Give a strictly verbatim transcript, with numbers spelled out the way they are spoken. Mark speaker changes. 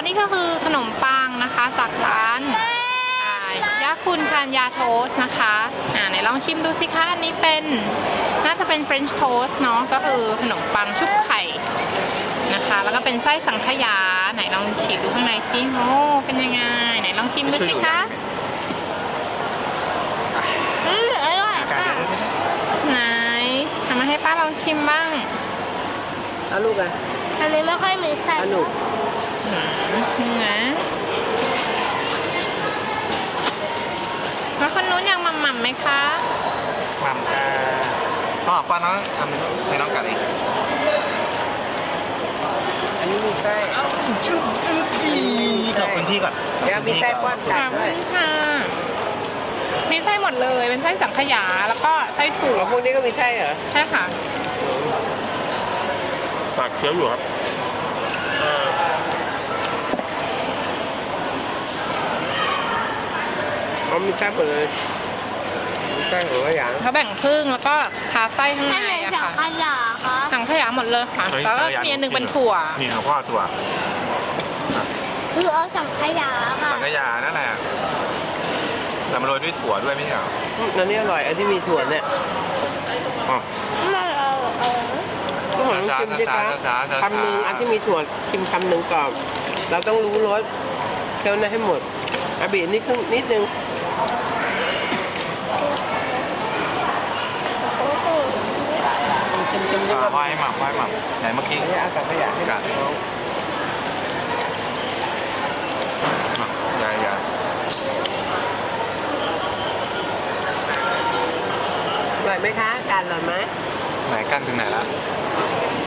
Speaker 1: แล้วนี่ก็คือขนมปังนะคะจากร้านยาคุณคานยาโทสนะคะอ่าไหนลองชิมดูสิคะอันนี้เป็นน่าจะเป็นเฟรนช์โทสเนาะก็คือขนมปังชุบไข่นะคะแล้วก็เป็นไส้สังขยาไหนลองฉีกดูข้างในซิโอ้เป็นยังไงไหนลองชิมดูสิคะ
Speaker 2: อืมอร่อยค่ะ
Speaker 1: ไหนทำมาให้ป้าลองชิมบ้าง
Speaker 3: เอาลูกอ่ะ
Speaker 2: อันนี้ไม่ค่อยมีไส้
Speaker 3: เอาหนู
Speaker 1: อืมนะแล้วคนนู้นยังหม่ำๆไหมคะ
Speaker 4: หม่ำกาพ่อป้าน้องทำให้น้องกัดเอง
Speaker 3: อันนี้มีไส้
Speaker 4: ชุดชุดจีขอบคุณพี่ก่อน
Speaker 3: เดี๋ยวมีไส้ป้อน
Speaker 1: ข
Speaker 3: กั
Speaker 1: อ
Speaker 3: ด
Speaker 1: บ
Speaker 3: ด้
Speaker 1: คุ
Speaker 3: วย
Speaker 1: ณค่ะมีไส้หมดเลยเป็นไส้สังขยาแล้วก็ไส้ถั่ว
Speaker 3: อ๋อพวกนี้ก็มีไส้เหรอ
Speaker 1: ใช่ค่ะ
Speaker 4: ฝากเคี้ยวอยู่ครับเออ
Speaker 3: อ๋อมีไส้หมดเลยมีไส้หัวอย่าง
Speaker 1: เขาแบ่งครึ่งแล้วก็ทาไส้ข้าง
Speaker 2: อัน
Speaker 1: ใน
Speaker 2: ไหน
Speaker 1: อะ
Speaker 2: สัง
Speaker 1: ค่ะ
Speaker 2: ขยาคะ
Speaker 1: สังขยาหมดเลยค่ะแล้วก็มีอันหนึ่งเป็นถั่ว
Speaker 4: นี่ของพ่อถั่ว
Speaker 2: คือเอาสังขยาค่ะ
Speaker 4: สังขยานั่นแหละแต่มาโรยด้วยถั่วด้วยไม่ใช่เหรอ
Speaker 3: อืมอันนี้อร่อยอันที่มีถั่วเนี่ย
Speaker 4: อ๋อ
Speaker 2: ไม่เอาเออ
Speaker 3: ก็ของชิมสิคะ
Speaker 4: ช้าๆช้าๆ
Speaker 3: คำหนึ่งอันที่มีถั่วชิมคำหนึ่งก่อนเราต้องรู้รสเคี้ยวให้หมดอาบีนี่ครึ่งนิดนึง ชิมชิมนี่
Speaker 4: อ่า
Speaker 3: ก็
Speaker 4: พ่อให้หม่ำพ่อให้หม่ำไหนเมื่อกี้
Speaker 3: ไม่เอาสังขยาให้
Speaker 4: กัด
Speaker 3: น้อง
Speaker 4: อ่ะยายยาย
Speaker 3: อร่อยไหมคะการอร่อยไหม
Speaker 4: ไหนกั้นถึงไหนละ